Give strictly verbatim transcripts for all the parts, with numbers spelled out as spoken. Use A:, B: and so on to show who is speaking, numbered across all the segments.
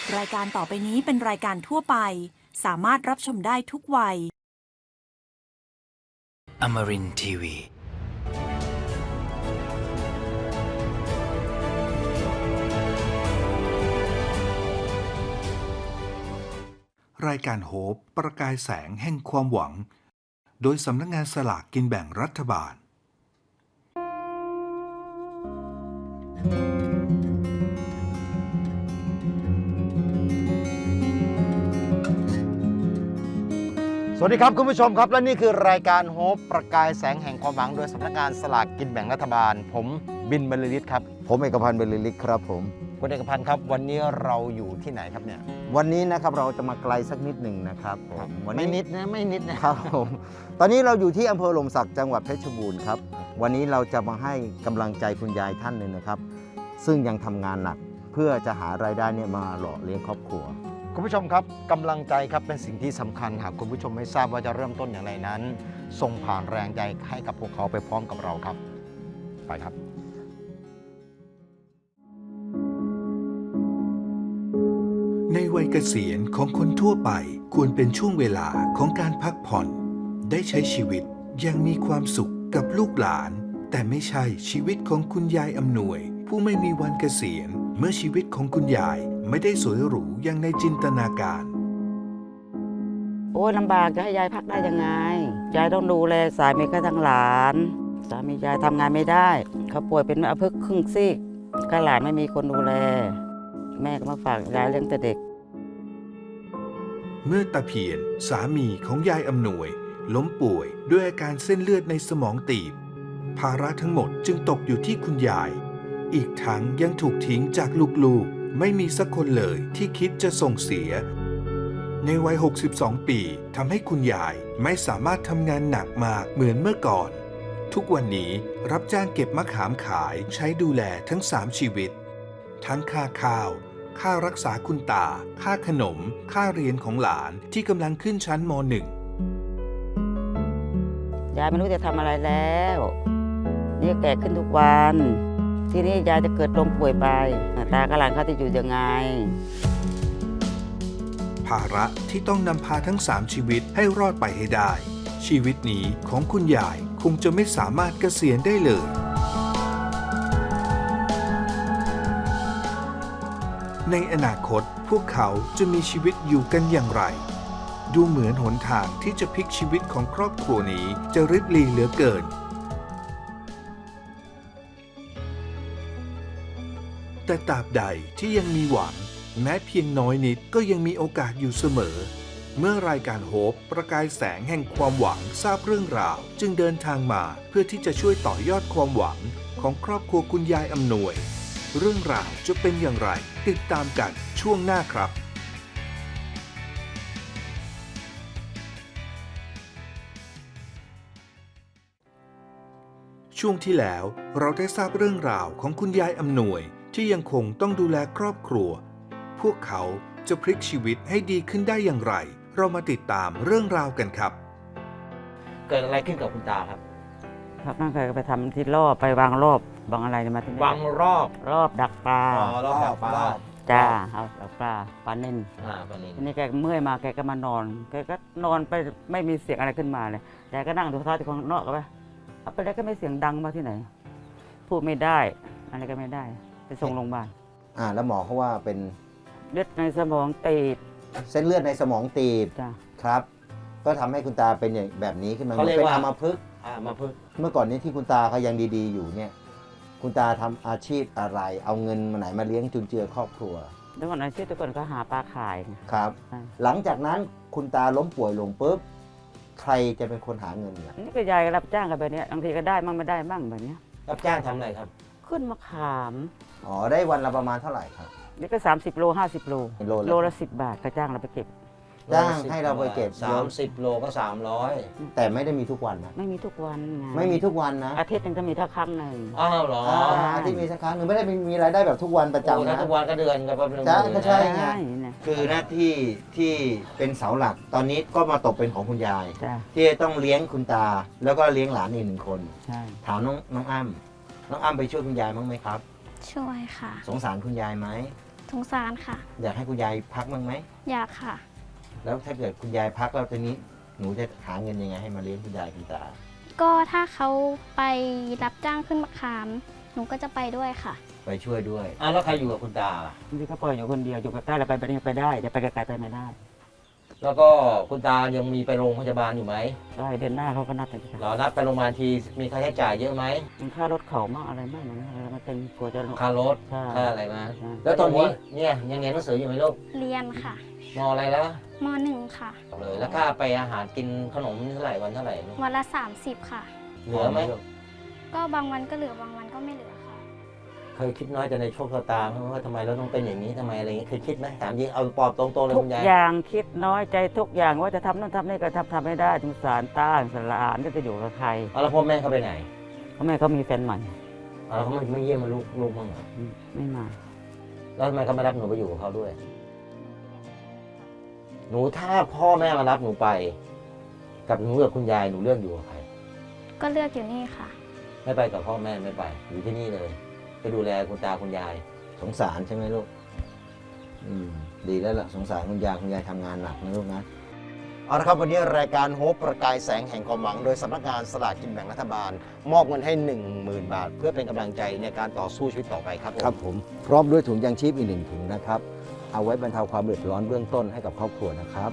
A: รายการต่อไปนี้เป็นรายการทั่วไปสามารถรับชมได้ทุกวัย
B: Amarin ที วี
C: รายการโฮปประกายแสงแห่งความหวังโดยสำนักงานสลากกินแบ่งรัฐบาล
D: สวัสดีครับคุณผู้ชมครับและนี่คือรายการโฮปประกายแสงแห่งความหวังโดยสำนักงานสลากกินแบ่งรัฐบาลผมบินบรรลือฤทธิ์ครับผมเอกพันธ์บรรลือฤทธิ์ครับผมคุณเอกพันธ์ครับวันนี้เราอยู่ที่ไหนครับเนี่ยวันนี้นะครับเราจะมาไกลสักนิดหนึ่งนะครับผมวันนี้ไม่นิดนะไม่นิดนะครับผมตอนนี้เราอยู่ที่อำเภอหล่มสักจังหวัดเพชรบูรณ์ครับวันนี้เราจะมาให้กำลังใจคุณยายท่านหนึ่งนะครับซึ่งยังทำงานหนักเพื่อจะหารายได้เนี่ยมาหล่อเลี้ยงครอบครัวคุณผู้ชมครับกำลังใจครับเป็นสิ่งที่สำคัญหากคุณผู้ชมไม่ทราบว่าจะเริ่มต้นอย่างไรนั้นส่งผ่านแรงใจให้กับพวกเขาไปพร้อมกับเราครับไปครับ
C: ในวัยเกษียณของคนทั่วไปควรเป็นช่วงเวลาของการพักผ่อนได้ใช้ชีวิตอย่างมีความสุขกับลูกหลานแต่ไม่ใช่ชีวิตของคุณยายอำนวยผู้ไม่มีวันเกษียณเมื่อชีวิตของคุณยายไม่ได้สวยหรูอย่างในจินตนาการ
E: โอ้ยลำบากจะให้ยายพักได้ยังไงยายต้องดูแลสามีก็ทั้งหลานสามียายทำงานไม่ได้เขาป่วยเป็นอัมพฤกษ์ครึ่งซีกก็หลานไม่มีคนดูแลแม่ก็มาฝากยายเลี้ยงแต่เด็ก
C: เมื่อตาเพียรสามีของยายอำนวยล้มป่วยด้วยอาการเส้นเลือดในสมองตีบภาระทั้งหมดจึงตกอยู่ที่คุณยายอีกทั้งยังถูกทิ้งจากลูกๆไม่มีสักคนเลยที่คิดจะส่งเสียในวัยหกสิบสองปีทำให้คุณยายไม่สามารถทำงานหนักมากเหมือนเมื่อก่อนทุกวันนี้รับจ้างเก็บมะขามขายใช้ดูแลทั้งสามชีวิตทั้งค่าข้าวค่ารักษาคุณตาค่าขนมค่าเรียนของหลานที่กำลังขึ้นชั้นม หนึ่ง
E: ยายไม่รู้จะทำอะไรแล้วนี่แก่ขึ้นทุกวันที่นี่ยายจะเกิดลมป่วยไปตากับหลานเขาจะอยู่ยังไง
C: ภาระที่ต้องนำพาทั้งสามชีวิตให้รอดไปให้ได้ชีวิตนี้ของคุณยายคงจะไม่สามารถเกษียณได้เลยในอนาคตพวกเขาจะมีชีวิตอยู่กันอย่างไรดูเหมือนหนทางที่จะพลิกชีวิตของครอบครัวนี้จะริบหรี่เหลือเกินแต่ตราบใดที่ยังมีหวังแม้เพียงน้อยนิดก็ยังมีโอกาสอยู่เสมอเมื่อรายการโฮปประกายแสงแห่งความหวังทราบเรื่องราวจึงเดินทางมาเพื่อที่จะช่วยต่อยอดความหวังของครอบครัวคุณยายอำนวยเรื่องราวจะเป็นอย่างไรติดตามกันช่วงหน้าครับช่วงที่แล้วเราได้ทราบเรื่องราวของคุณยายอำนวยที่ยังคงต้องดูแลครอบครัวพวกเขาจะพลิกชีวิตให้ดีขึ้นได้อย่างไรเรามาติดตามเรื่องราวกันครับ
D: เกิดอะไรขึ้นกับคุณตาครับ
E: ครับนั่งเคยไปทำที่รอบไปวางรอบวางอะไรมาที่นี่
D: วางรอบ
E: รอบดักปลา
D: อ๋อรอบดักปลา
E: จ้าเอาดักปลาปลาเน่น
D: อ่าปลาเน่น
E: ทีนี้แกเมื่อยมาแกก็มานอนแกก็นอนไปไม่มีเสียงอะไรขึ้นมาเลยแกก็นั่งดูโทรทัศน์ที่ข้างนอกก็ไปเอาไปแล้วก็ไม่เสียงดังมาที่ไหนพูดไม่ได้อะไรก็ไม่ได้ไปส่งโรงพยาบาล
D: อ่าแล้วหมอเขาว่าเป็น
E: เลือดในสมองตีบ
D: เส้นเลือดในสมองตีบ
E: จ้ะ
D: ครับก็ทำให้คุณตาเป็นอย่างแบบนี้ขึ้นมาเป็นอัมพฤกษ์อัมพฤกษ์เมื่อก่อนนี้ที่คุณตาเขายังดีๆอยู่เนี่ยคุณตาทำอาชีพอะไรเอาเงินมาไหนมาเลี้ยงจุนเจือครอบครัว
E: แต่ก่อนอาชีพแต่ก่อนก็หาปลาขาย
D: ครับหลังจากนั้นคุณตาล้มป่วยลงปุ๊บใครจะเป็นคนหาเงินเนี่ย
E: นี่ก็ยายรับจ้างกันแบบนี้บางทีก็ได้บ้างไม่ได้บ้างแบบนี้
D: รับจ้างทำอะไรครับ
E: ขึ้นมะขาม
D: อ๋อได้วันละประมาณเท่าไหร่ครับ
E: นี่ก็สามสิบโลห้าสิบโลโลละสิบบาทก็จ้างเราไปเก็บ
D: จ้างให้เราไปเก็บสามสิบโลก็สามร้อยแต่ไม่ได้มีทุกวันนะ
E: ไม่มีทุกวัน
D: ไม่มีทุกวันนะ
E: อาทิตย์นึงจะมีแค่ครั้งหนึ่ง
D: อ้าวเหรออาทิตย์มีสักครั้งหนึ่งไม่ได้มีรายได้แบบทุกวันประจำนะทุกวันก็เดือนก็เป็นจ้าก็ใช่ไงคือหน้าที่ที่เป็นเสาหลักตอนนี้ก็มาตกเป็นของคุณยายที่ต้องเลี้ยงคุณตาแล้วก็เลี้ยงหลานอีกหนึ่งคนถามน้องน้องอ้ำน้องอ้ำไปช่วยคุณยายบ้างไหมครับ
F: ช่วยค่ะ
D: สงสารคุณยายไหม
F: ส
B: งสารค่ะ
D: อยากให้คุณยายพักบ้างไหม
B: อยากค่ะ
D: แล้วถ้าเกิดคุณยายพักแล้วทีนี้หนูจะหาเงินยังไงให้มาเลี้ยงคุณยายคุณตา
B: ก็ถ้าเขาไปรับจ้างขึ้นมะขาม หนูก็จะไปด้วยค่ะ
D: ไปช่วยด้วยอ่ะแล้วใครอยู่กับคุณตาล่ะ
E: บางทีก็ปล่อยอยู่คนเดียวอยู่ใกล้ๆเราไปไปนี่ไปได้จะไปไกลๆไปไม่ได้
D: แล้วก็คุณตายังมีไปโรงพยาบาลอยู่ไหม
E: ได้เดือนหน้าเขาก็นัดไปที่
D: หรอนัดไปโรงพยาบาลทีมีค่าใช้จ่ายเยอะไหม
E: มันค่ารถเขามากอะไรมากนะอะไรมันเป็นกลัวจะ
D: ค่ารถ
E: ใช่
D: ค่าอะไรมา
E: ใช่
D: แล้วตอนนี้เนี่ยยังเรียนหนังสืออยู่ไหมลูก
B: เรียนค่ะ
D: มอะไรแล้ว
B: มหนึ่งค่ะ
D: เลยแล้วค่าไปอาหารกินขนมเท่าไหร่วันเท่าไหร่ลูก
B: วันละสามสิบค่ะ
D: เหลือไหม
B: ก็บางวันก็เหลือบางวันก็ไม่เหลือค่ะ
D: เคยคิดน้อยแต่ในโชคชะตาไหมว่าทำไมเราต้องเป็นอย่างนี้ทำไมอะไรอย่างนี้เคยคิดไหมถามจริงเอาปอบตรงๆเลย
E: ทุ
D: คุ
E: ก
D: ณยาย
E: อย่างคิดน้อยใจทุกอย่างว่าจะทำนู่นทำนี่ก็ทำทำไม่ได้สงสารตาสงสารหลานก็จะอยู่กับใคร
D: เอาแล้วพ่อแม่เขาไปไหน
E: เพราะแม่เขามีแฟนใหม่
D: เอาแล้วเขาไม่ไม่เยี่ยมมาลูกลูกบ้างเหรอ
E: อืมไม่มา
D: แล้วทำไมเขาไม่รับหนูไปอยู่กับเขาด้วย หนูถ้าพ่อแม่มารับหนูไป กับหนูกับคุณยายหนูเลือกอยู่กับใคร
B: ก็เลือกอยู่นี่ค่ะ
D: ไม่ไปกับพ่อแม่ไม่ไป อยู่ที่นี่เลยไปดูแลคุณตาคุณยาย สงสารใช่ไหมลูก อืม ดีแล้วล่ะสงสารคุณยายคุณยายทำงานหนักนะลูกนะเอาละครับวันนี้รายการโฮปประกายแสงแห่งความหวังโดยสำนักงานสลากกินแบ่งรัฐบาล มอบเงินให้ หนึ่งหมื่น บาท เพื่อเป็นกำลังใจในการต่อสู้ชีวิตต่อไปครับครับผมพร้อมด้วยถุงยางชีพอีกหนึ่งถุงนะครับเอาไว้บรรเทาความเดือดร้อนเบื้องต้นให้กับครอบครัวนะครับ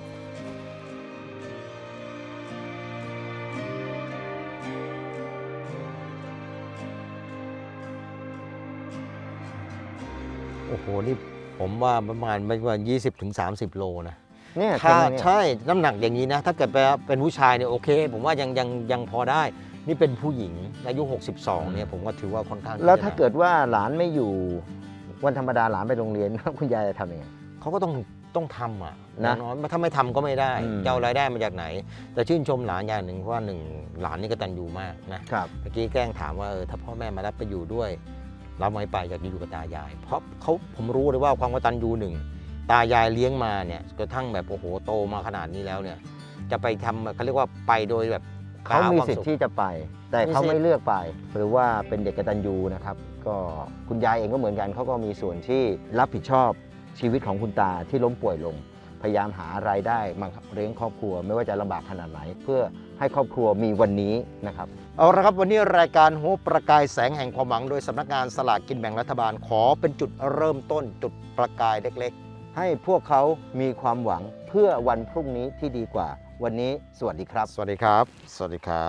D: โอ้โห นี่ผมว่าประมาณไม่ว่ายี่สิบถึงสามสิบโลนะ
F: เนี่ย
D: ถ้า
F: เต็มเลยเนี่ย
D: ใช่น้ำหนักอย่างนี้นะ ถ้าเกิดเป็นผู้ชายเนี่ยโอเค ผมว่ายังยังยังพอได้ นี่เป็นผู้หญิงอายุหกสิบสองเนี่ยผมก็ถือว่าค่อนข้าง
F: แล้วถ้า
D: จะหนั
F: เกิดว่าหลานไม่อยู่วันธรรมดาหลานไปโรงเรียน คุณยายจะทำยังไง
D: เขาก็ต้องต้องทำอ่ะ
F: นะ
D: น้อยถ้าไม่ทำก็ไม่ได้
F: อืม
D: จะเอารายได้มาจากไหน แต่ชื่นชมหลานอย่างหนึ่งเพราะว่าหนึ่งหลานนี่กตัญญูมากนะครับ เมื่อกี้แกล้งถามว่าเออถ้าพ่อแม่มารับไปอยู่ด้วยเราไม่ไปอยากจะอยู่กับตายาย เพราะเขาผมรู้เลยว่าความกตัญญูหนึ่งตายายเลี้ยงมาเนี่ยกระทั่งแบบโอ้โหโตมาขนาดนี้แล้วเนี่ย จะไปทำเขาเรียกว่าไปโดยแบบ
F: เขามี
D: คว
F: สิท
D: สุข
F: ธิ์ที่จะไป แต่
D: มี
F: เขา
D: สิทธิ์
F: ไม่เลือกไป หรือว่าเป็นเด็กกตัญญูนะครับ ก็คุณยายเองก็เหมือนกันเขาก็มีส่วนที่รับผิดชอบชีวิตของคุณตาที่ล้มป่วยลง พยายามหารายได้มาเลี้ยงครอบครัว ไม่ว่าจะลำบากขนาดไหน เพื่อให้ครอบครัวมีวันนี้นะครับเอาละครับวันนี้รายการโฮปประกายแสงแห่งความหวังโดยสำนักงานสลากกินแบ่งรัฐบาลขอเป็นจุดเริ่มต้นจุดประกายเล็กๆ ให้พวกเขามีความหวังเพื่อวันพรุ่งนี้ที่ดีกว่า วันนี้สวัสดีครับ
D: สวัสดีครับ สวัสดีครับ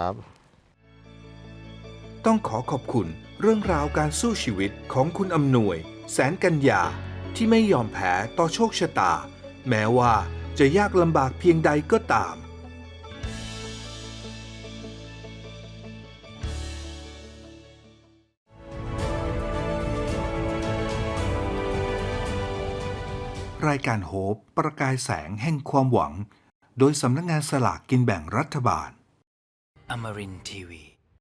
C: ต้องขอขอบคุณเรื่องราวการสู้ชีวิตของคุณอำนวย แสนกัญญาที่ไม่ยอมแพ้ต่อโชคชะตา แม้ว่าจะยากลำบากเพียงใดก็ตาม รายการโฮปประกายแสงแห่งความหวัง โดยสำนักงานสลากกินแบ่งรัฐบาล
G: Amarin Tiwi